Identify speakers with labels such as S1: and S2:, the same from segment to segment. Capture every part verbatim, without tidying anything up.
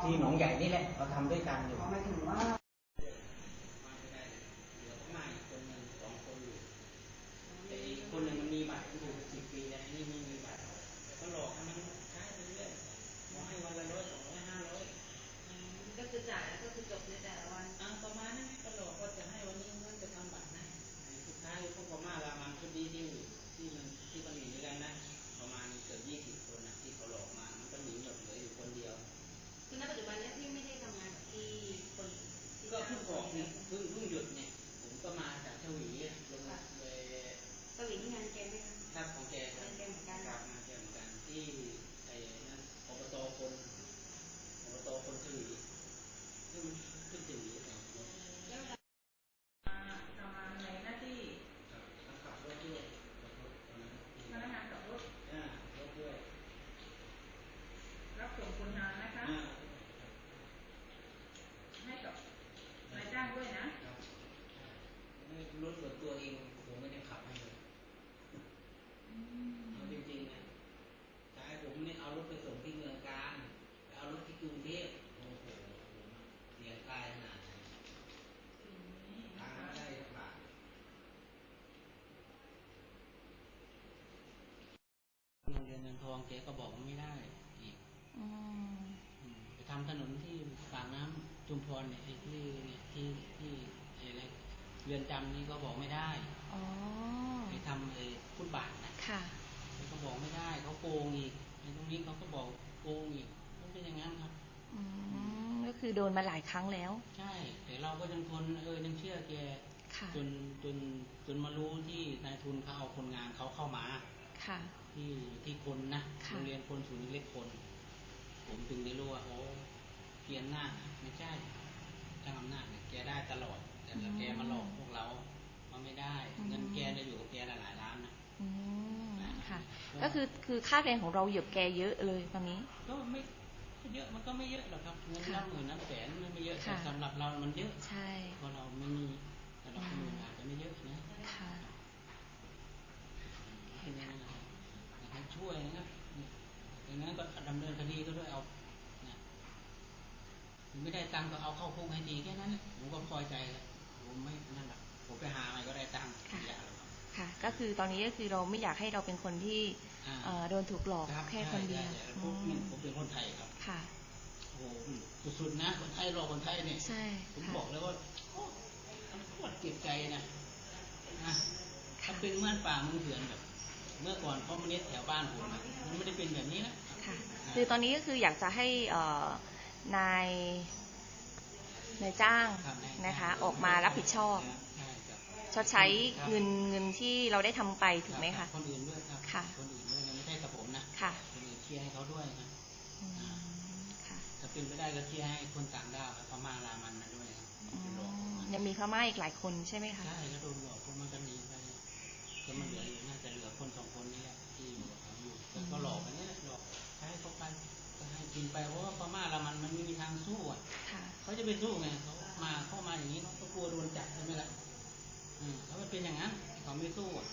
S1: ที่หนองใหญ่นี่แหละเราทำด้วยกันอยู่
S2: หมายถึงว่า
S1: คนหนึ่งมันมีบัตรอยู่สิบปีแล้วนี่ไม่มีบัตรก็หลอกให้มันใช้ไปเรื่อยขอให้วันละร้อยสองร้อยห้าร้อย
S2: ก็จะจ่ายแล้วก็คือจบในแต่ละวัน
S1: อ่าประมาณนั้นก็หลอกว่าจะให้วันนี้เงินจะทำบัตรนะสุดท้ายพวกพม่ารามันชุดนี้ที่ที่มันที่มันหนีด้วยกันนะประมาณเกือบยี่สิบคนนะที่เขาหลอกมามันก็หนีหมดเหลืออยู่คนเดียว
S2: คือณปัจจุบันนี้พี่ไม่ได้ทำงานกับที่คน
S1: ก็เพิ่งออกเนี่ยเพิ่งเพิ่งหยุดเนี่ยผมก็มาจากชวีลงเลย
S2: สวิงงานแกไหมคะ
S1: ครับของแกครับ
S2: งานแกเหมือนกัน
S1: ครับงานแกเหมือนกันที่ไอ้นั่นอบตคนอบตคนชวีขึ้นขึ้นชวีเนี่ย
S2: แล้วทำงานในหน้าที่
S1: ขับรถด้วย
S2: พนักงานขับรถ
S1: อ่ารถด้วย
S2: รับส่งคนงานนะคะให้กับนายจ้างด้วยนะ
S1: รถส่วนตัวเองผมไม่ได้ขับให้เลยเอาจริงๆนะใช่ผมเนี่ยเอารถไปส่งที่เมืองการเอารถที่กรุงเทพโอ้โหผมเสียกายขนาดไหนทางไม่ได้ลำบากโรงเรียนเงินทองแกก็บอกว่าไม่ได้อีกไปทำถนนที่ปากน้ำจุมพรเนี่ยที่ที่ที่อะไรเรือนจำนี่ก็บอกไม่ได้ไปทำไอ้ฟุตบาทนะเขาก็บอกไม่ได้เขาโกงอีกในตรงนี้เขาก็บอกโกงอีกมันเป็นอย่างนั้นครับ
S3: ก็คือโดนมาหลายครั้งแล้ว
S1: ใช่แต่เราก็ยังทนเออยังเชื่อแกจนจนจนมารู้ที่นายทุนเขาเอาคนงานเขาเข้ามาที่ที่คนนะโรงเรียนคนศูนย์เล็กคนผมถึงได้รู้ว่าโอ้เกียรหน้าไม่ใช่จ้างอำนาจเนี่ยแกได้ตลอดแต่แกมาหลอกพวกเรามันไม่ได้เงินแกจะอยู่กับแกหลายล้านนะ
S3: ค่ะก็คือคือค่าแรงของเราเหยียบแกเยอะเลยตอนนี้
S1: ก็ไม่เยอะมันก็ไม่เยอะหรอกครับเงินน้ำหมื่นน้ำแสนมันไม่เยอะแต่สำหรับเรามันเยอะ
S3: ใช่
S1: เพราะเราไม่มีสำหรับคนอื่นอาจจะไม่เยอะนะ
S3: ค่ะ
S1: ให้ช่วยนะครับอย่างนั้นก็ดำเนินคดีก็ด้วยเอาไม่ได้ตังค์ก็เอาเข้าคุกให้ดีแค่นั้นผมก็พอใจแล้วผมไม่นั่นหรอกผมไปหาอะไรก็ได้ตังค์
S3: ค่ะก็คือตอนนี้ก็คือเราไม่อยากให้เราเป็นคนที่โดนถูกหลอกแค่คนเดียว
S1: ผมเป็นคนไทยครับ
S3: ค่ะ
S1: โอ้โหสุดๆนะคนไทยหลอกคนไทยเนี่ย
S3: ใช่
S1: ผมบอกแล้วว่ามันปวดเจ็บใจนะนะถ้าเป็นเมื่อป่าเมืองเถื่อนแบบเมื่อก่อนคอมมิวนิสต์แถวบ้านผมมันไม่ได้เป็นแบบนี้นะ
S3: ค่ะคือตอนนี้ก็คืออยากจะให้นายนายจ้างนะคะออกมารับผิดชอบชดใช้เงินเงินที่เราได้ทำไปถูกไหมคะ
S1: คนอื่นด้วยครับ
S3: ค่ะ
S1: คนอื่นด้วยไม่ใช่กับผมนะ
S3: ค่ะ
S1: คนอื่นเคลียร์ให้เขาด้วยนะถ้าเป็นไม่ได้ก็เคลียร์ให้คนต่างด้าวพม่ารามันมาด้วย
S3: ยังมีพม่าอีกหลายคนใช่ไหมคะ
S1: ใช่ก็โดนหลอกพวกมันก็หนีไปก็มันเหลืออยู่น่าจะเหลือคนสองคนนี่แหละที่อยู่อยู่แต่ก็หลอกอันนี้หลอกใช้เขาไปก็ให้กินไปเพราะว่าพม่ารามันมันไม่มีทางสู้อ่ะเขาจะไปสู้ไงเขามาเข้ามาอย่างนี้เขากลัวโดนจับใช่ไหมล่ะอืมเขาเป็นอย่างนั้นเขาไม่สู้อ่ะ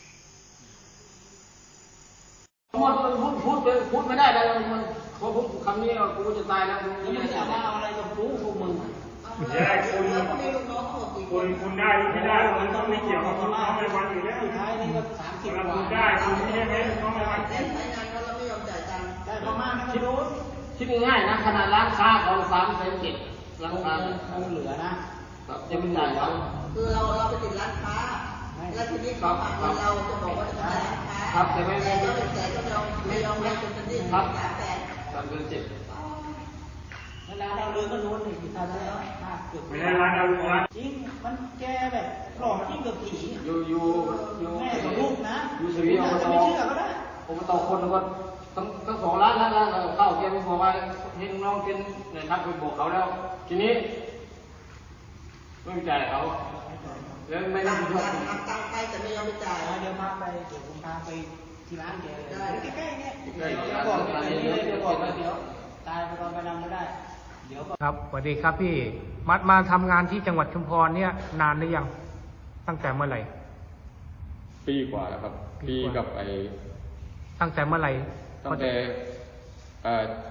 S4: พูดพูดพูดพูดไม่ได้แล้วมันพอพูดคำนี้กูจะตายแล้ว
S1: มึงไม่จะมาเอาอะไรกับกูพวกมึง
S5: แย่คุณคุณคุณได้ไม่ได้มันต้องไม่เกี่ยวกับคุณน้องในวันอยู่แล้ว
S1: สุดท้ายนี่ก็สามสิบกว่า
S5: คุณได้คุณไม่ใช่ไหมน้องในวัน
S2: แต่ใช้งานเราไม่ยอมจ่ายตังค์
S1: ได้ประมาณนั้นก็รู้
S4: คิดง่ายๆนะขนาดร้านค้าเขาสามแสนเจ็ดร้านค้า
S1: คงเหลือนะ
S4: จะไม่จ่ายเขา
S2: คือเราเราไปติดร้านค้าแล้วทีนี้เขาฝากเงินเราจะบอกว่าจะจ่ายร้านค้า
S4: ครับแต่ไม่
S2: แต่ก็เป็นแสนก็ไม่ยอมไม่ยอมให้จนเป็นหนี้สามแสน
S4: สามแสนเจ็ด
S1: เวลาเราเรือก็โน้นอยู่ตอนนั้นแล้ว
S5: ไม่ได้ร้านเราร้าน
S1: จริงมันแกแบบหลอกยิ่งกับผี
S4: อยู่อยู่
S1: อยู่แม่กับลูกนะ
S4: อยู่สวีเดนจะไม่เชื่อก็ได้ผมต่อคนก็ทั้งทั้งสองร้านแล้วแล้วเข้าแกไปบอกว่าเห็นน้องเป็นเนี่ยครับไปบอกเขาแล้วทีนี้ไม่จ่ายเขาแล้วไม่ได้ช่วย
S2: ตังค์ไปแต่ไม่ยอมไปจ่าย
S1: เดี๋ยวพาไปเดี๋ยวผมพาไปที่ร้านแกเลยใกล้ๆเนี่ย
S4: เดี๋ยว
S1: บอกเดี๋ยวบอกเดี๋ยวตายไปตอนไปนำไม่ได้เดี๋ยว
S6: ครับสวัสดีครับพี่มามาทำงานที่จังหวัดชุมพรเนี่ยนานหรือยังตั้งแต่เมื่อไหร่
S7: ปีกว่าแล้วครับปีกับไอ
S6: ตั้งแต่เมื่อไหร่
S7: ตั้งแต่เอ่อ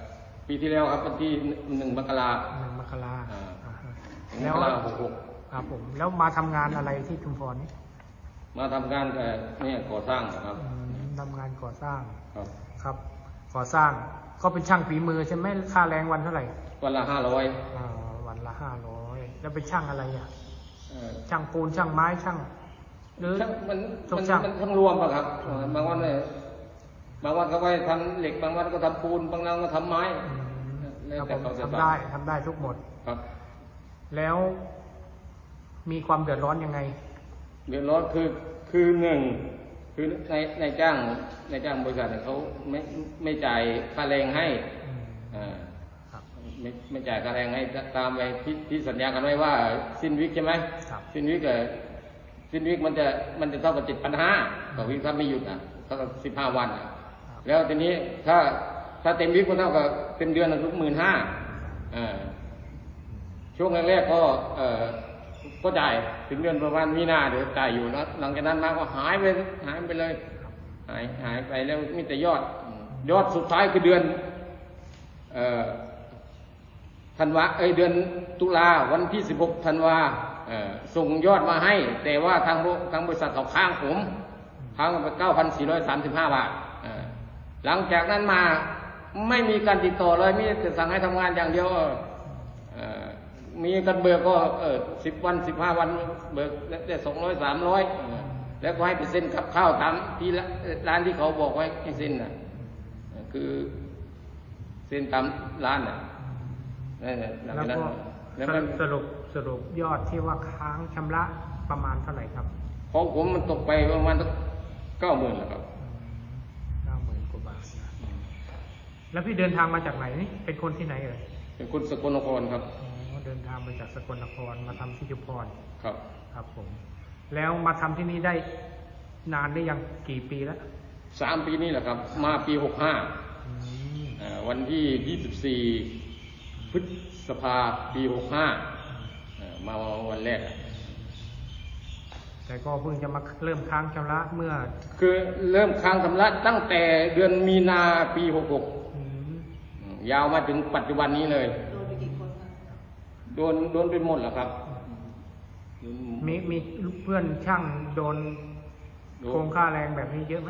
S4: ปีที่แล้วครับวันที่หนึ่งมกรา
S6: หนึ่งมกรา
S4: อ่า
S6: อ่าฮะ
S4: ม
S6: แล้ว
S4: กราหกหก
S6: ครับผมแล้วมาทำงานอะไรที่ชุมพรนี่
S4: มาทำงานแต่เนี่ยก่อสร้างครับ
S6: อืมทำงานก่อสร้าง
S4: ครับ
S6: ครับก่อสร้างก็เป็นช่างฝีมือใช่ไหมค่าแรงวันเท่าไหร่
S4: วันละห้าร้อย
S6: อ่าวันละห้าร้อยแล้วเป็นช่างอะไรอ่ะช่างปูนช่างไม้ช่างหรือ
S4: มัน
S6: ทุ
S4: มั
S6: ก
S4: น
S6: ช่าง
S4: มันทั้งรวมอะครับบางวันเนี่ยบางวันก็ไปทำเหล็กบางวันก็ทำปูนบางวันก็ทำไม้
S6: อืม
S4: แล้ว
S6: ครับ
S4: แต่
S6: ผม
S4: เขาจะ
S6: ทำได้ทำได้ทุกหมด
S4: ครับ
S6: แล้วมีความเดือดร้อนยังไง
S4: เดือดร้อนคือคือหนึ่งคือในในจ้างในจ้างบริษัทเนี่ยเขาไม่ไม่จ่ายค่าแรงให้
S6: อืม
S4: อ่า
S6: ครับ
S4: ไม่ไม่จ่ายค่าแรงให้ตามไปที่ที่สัญญากันไว้ว่าสิ้นวิกใช่ไหม
S6: ครับ
S4: สิ้นวิกเออสิ้นวิกมันจะมันจะเท่ากับเจ็ดพันห้าต่อวิกถ้าไม่หยุดอ่ะเท่ากับสิบห้าวันอ่ะแล้วทีนี้ถ้าถ้าเต็มวิกก็เท่ากับเต็มเดือนทุกหมื่นห้าอ่าช่วงแรกๆก็เอ่อก็จ่ายถึงเดือนประมาณมีนาเดี๋ยวจ่ายอยู่นะหลังจากนั้นมาก็หายไปหายไปเลยหายหายไปแล้วมีแต่ยอดยอดสุดท้ายคือเดือนเอ่อธันวาเอ้ยเดือนตุลาวันที่สิบหกธันวาเอ่อส่งยอดมาให้แต่ว่าทางทางบริษัทเขาค้างผมค้างไปเก้าพันสี่ร้อยสามสิบห้าบาทเอ่อหลังจากนั้นมาไม่มีการติดต่อเลยมีแต่สั่งให้ทำงานอย่างเดียวเอ่อมีกันเบิกก็เออสิบวันสิบห้าวันเบิกได้สองร้อยสามร้อยแล้วก็ให้ไปเซ็นกับข้าวตามที่ร้านที่เขาบอกไว้ให้เซ็นน่ะคือเซ็นตามร้านน่ะนั่นแหละหลัง
S6: แล้ว
S4: จากนั้น
S6: ก็
S4: แล้วมัน
S6: สรุปสรุปยอดที่ว่าค้างชำระประมาณเท่าไหร่ครับ
S4: ของผมมันตกไปประมาณเก้าหมื่นแล้วครับ
S6: เก้าหมื่นกว่าบาทนะแล้วพี่เดินทางมาจากไหนนี่เป็นคนที่ไหนเอ่ย
S4: เป็นคนสกลนครครับ
S6: อ๋อเดินทางมาจากสกลนครมาทำที่ชุมพร
S4: ครับ
S6: ครับผม แล้วมาทำที่นี่ได้นานได้ยังกี่ปีแล้ว
S4: สามปีนี้แหละครับ มาปีหกห้า
S6: อืม
S4: วันที่ยี่สิบสี่พฤษภาปีหกห้ามาวันแรก
S6: แต่ก็เพิ่งจะมาเริ่มค้างชำระเมื่อ
S4: คือเริ่มค้างชำระตั้งแต่เดือนมีนาปีหกหก
S6: อืม
S4: ยาวมาถึงปัจจุบันนี้เลย
S2: โดนไปกี่คนคะ
S4: โดนโดนไปหมดแล้วครับ
S6: มีมีเพื่อนช่างโดนโกงค่าแรงแบบนี้เยอะไหม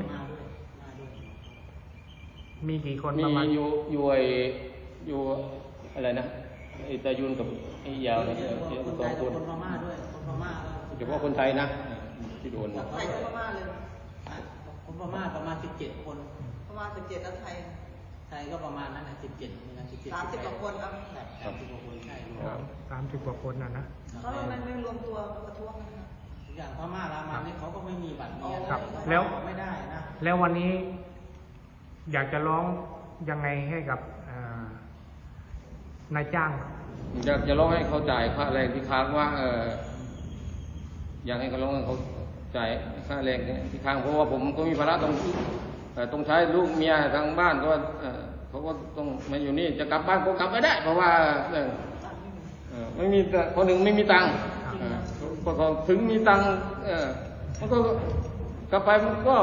S6: มีกี่คน
S4: มี
S6: ประมาณ
S4: อยู่อยู่ไออยู่อะไรนะไอตายุนกับไอยาวเนี่ยสองคน
S1: คนพม่าด้วยคนพม่า
S4: เฉพาะคนไทยนะที่โดน
S2: ไทยก็พม่าเลย
S1: คนพม่าประมาณสิบเจ็ดคน
S2: ประมาณสิบเจ็ดแล้วไทย
S1: ไทยก็ประมาณนั้นนะสิบเจ็ดเหมือนกันสิบเจ็ด
S2: สามสิบกว่าคนครับ
S1: สามสิบกว่าคนใช่รว
S4: ครับ
S1: ม
S6: สามสิบกว่าคนน่ะนะ
S2: เขาทำไมไม่รวมตัวประท้วงกันนะ
S1: อย่างพม่ารามันนี่เขาก็ไม่มีบัตรเมีย
S6: ครับแล้ว
S1: ไม่ได้นะ
S6: แล้ววันนี้อยากจะร้องยังไงให้กับอ่านายจ้าง
S4: อยากจะร้องให้เขาจ่ายค่าแรงที่ค้างว่าเอออยากให้เขาร้องให้เขาจ่ายค่าแรงที่ค้างเพราะว่าผมก็มีภาระต้องเอ่อต้องใช้ลูกเมียทางบ้านก็เอ่อเขาก็ต้องมาอยู่นี่จะกลับบ้านก็กลับไม่ได้ เพราะว่าเออเอ่อไม่มีแต่คนหนึ่งไม่มีตังค์เอ่อพอเขาถึงมีตังค์เออมันก็กลับไปมันก็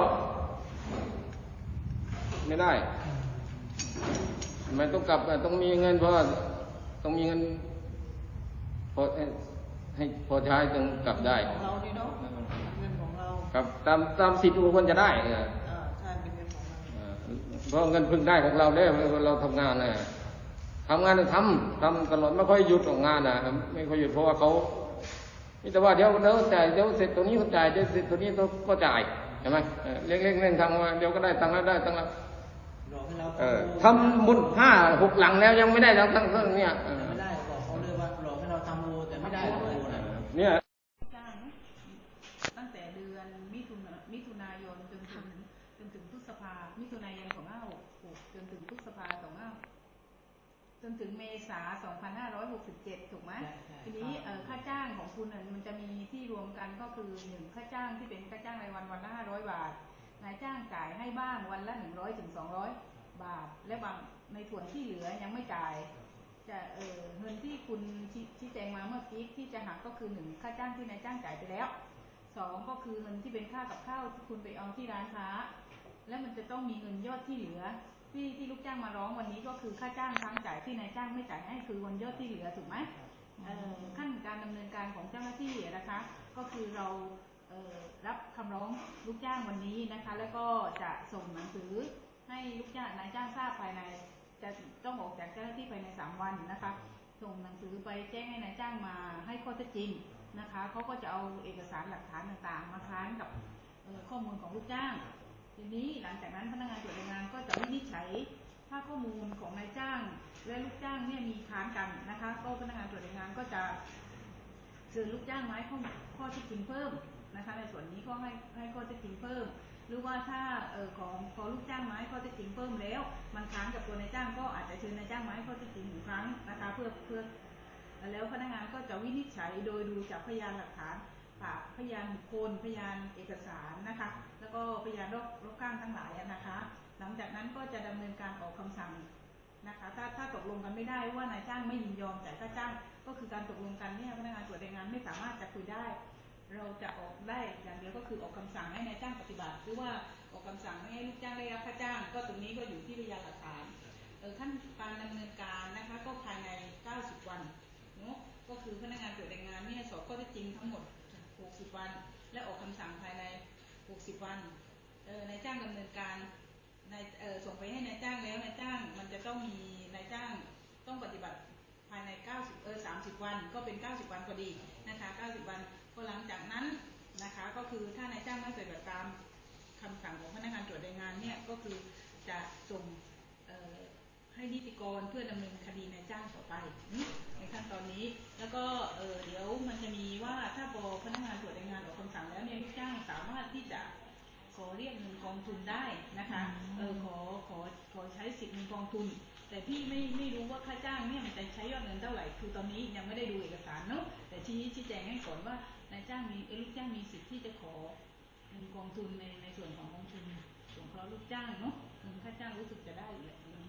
S4: ไม่ได้มันต้องกลับต้องมีเงินเพราะว่าต้องมีเงินพอให้ให้พอใช้จึงกลับได้
S2: ของเรานี่เนาะเงินของเรา
S4: ครับตามตามสิทธิ์ควรจะได้เออ
S2: อ่าใช่เป็นเงินของเรา
S4: เออเพราะเงินพึ่งได้ของเราได้เราทำงานนะทำงานทำทำตลอดไม่ค่อยหยุดของงานนะไม่ค่อยหยุดเพราะว่าเขานี่แต่ว่าเดี๋ยวเดี๋ยวจ่ายเดี๋ยวเสร็จตัวนี้เขาจ่ายเดี๋ยวเสร็จตัวนี้เขาก็จ่ายใช่ไหมเออเล็กๆเล่นทำมาเดี๋ยวก็ได้ตังค์แล้วได้ตังค์แล้ว
S1: รอให้เรา
S4: เออทำบุญห้าหกหลังแล้วยังไม่ได้ทั้งทั้งเรื่องเนี่ยเออ
S1: ไม่ได้บอกเขาเลยว่าหลอกให้เราทำโอแต่ไม่ได้โอนะ
S4: เนี่ย
S8: จ้างตั้งแต่เดือนมิถุนามิถุนายนจนถึงจนถึงพฤษภามิถุนายนสองห้าหกหกจนถึงพฤษภาสองห้าจนถึงเมษาสองพันห้าร้อยหกสิบเจ็ดถูกไหมทีนี้เอ่อค่าจ้างของคุณน่ะมันจะมีที่รวมกันก็คือหนึ่งค่าจ้างที่เป็นค่าจ้างรายวันวันละห้าร้อยบาทนายจ้างจ่ายให้บ้างวันละหนึ่งร้อยถึงสองร้อยบาทและบางในส่วนที่เหลือยังไม่จ่ายจะเอ่อเงินที่คุณชี้แจงมาเมื่อกี้ที่จะหักก็คือหนึ่งค่าจ้างที่นายจ้างจ่ายไปแล้วสองก็คือเงินที่เป็นค่ากับข้าวที่คุณไปเอาที่ร้านค้าและมันจะต้องมีเงินยอดที่เหลือที่ที่ลูกจ้างมาร้องวันนี้ก็คือค่าจ้างค้างจ่ายที่นายจ้างไม่จ่ายให้คือวันยอดที่เหลือถูกไหมขั้นการดำเนินการของเจ้าหน้าที่นะคะก็คือเรารับคำร้องลูกจ้างวันนี้นะคะแล้วก็จะส่งหนังสือให้ลูกจ้างนายจ้างทราบภายในจะต้องออกจากเจ้าหน้าที่ภายในสามวันนะคะส่งหนังสือไปแจ้งให้นายจ้างมาให้ข้อเท็จจริงนะคะเขาก็จะเอาเอกสารหลักฐานต่างๆมาค้านกับข้อมูลของลูกจ้างทีนี้หลังจากนั้นพนักงานตรวจแรงงานก็จะวินิจฉัยถ้าข้อมูลของนายจ้างและลูกจ้างเนี่ยมีค้านกันนะคะก็พนักงานตรวจแรงงานก็จะเชิญลูกจ้างมาให้ข้อข้อเท็จจริงเพิ่มนะคะในส่วนนี้ก็ให้ให้ข้อเท็จจริงเพิ่มหรือว่าถ้าเอ่อของพอลูกจ้างมาให้ข้อเท็จจริงเพิ่มแล้วมันค้านกับตัวนายจ้างก็อาจจะเชิญนายจ้างมาให้ข้อเท็จจริงอีกครั้งนะคะเพื่อเพื่อแล้วพนักงานก็จะวินิจฉัยโดยดูจากพยานหลักฐานพยานบุคคลพยานเอกสารนะคะแล้วก็พยานรอบรอบข้างทั้งหลายนะคะหลังจากนั้นก็จะดำเนินการออกคำสั่งนะคะถ้าถ้าตกลงกันไม่ได้ว่านายจ้างไม่ยินยอมจ่ายค่าจ้างก็คือการตกลงกันเนี่ยพนักงานตรวจแรงงานไม่สามารถจะคุยได้เราจะออกได้อย่างเดียวก็คือออกคำสั่งให้นายจ้างปฏิบัติหรือว่าออกคำสั่งไม่ให้ลูกจ้างได้รับค่าจ้างก็ตรงนี้ก็อยู่ที่พยานหลักฐานขั้นการดำเนินการนะคะก็ภายในเก้าสิบวันเนาะก็คือพนักงานตรวจแรงงานเนี่ยสอบข้อเท็จจริงทั้งหมดหกสิบวันและออกคำสั่งภายในหกสิบวันเอ่อนายจ้างดำเนินการนายเอ่อส่งไปให้นายจ้างแล้วนายจ้างมันจะต้องมีนายจ้างต้องปฏิบัติภายในเก้าสิบเออสามสิบวันก็เป็นเก้าสิบวันพอดีนะคะเก้าสิบวันพอหลังจากนั้นนะคะก็คือถ้านายจ้างไม่ปฏิบัติตามคำสั่งของพนักงานตรวจแรงงานเนี่ยก็คือจะส่งเอ่อให้นิติกรเพื่อดำเนินคดีนายจ้างต่อไปในขั้นตอนนี้แล้วก็เอ่อเดี๋ยวมันจะมีว่าถ้าพอพนักงานตรวจแรงงานออกคำสั่งแล้วเนี่ยลูกจ้างสามารถที่จะขอเรียกเงินกองทุนได้นะคะเออขอขอขอใช้สิทธิ์เงินกองทุนแต่พี่ไม่ไม่รู้ว่าค่าจ้างเนี่ยมันจะใช้ยอดเงินเท่าไหร่คือตอนนี้ยังไม่ได้ดูเอกสารเนาะแต่ชี้ชี้แจงให้ก่อนว่านายจ้างมีเออลูกจ้างมีสิทธิ์ที่จะขอเงินกองทุนในในส่วนของกองทุนสงเคราะห์ลูกจ้างเนาะเงินค่าจ้างรู้สึกจะได้อยู่แหละ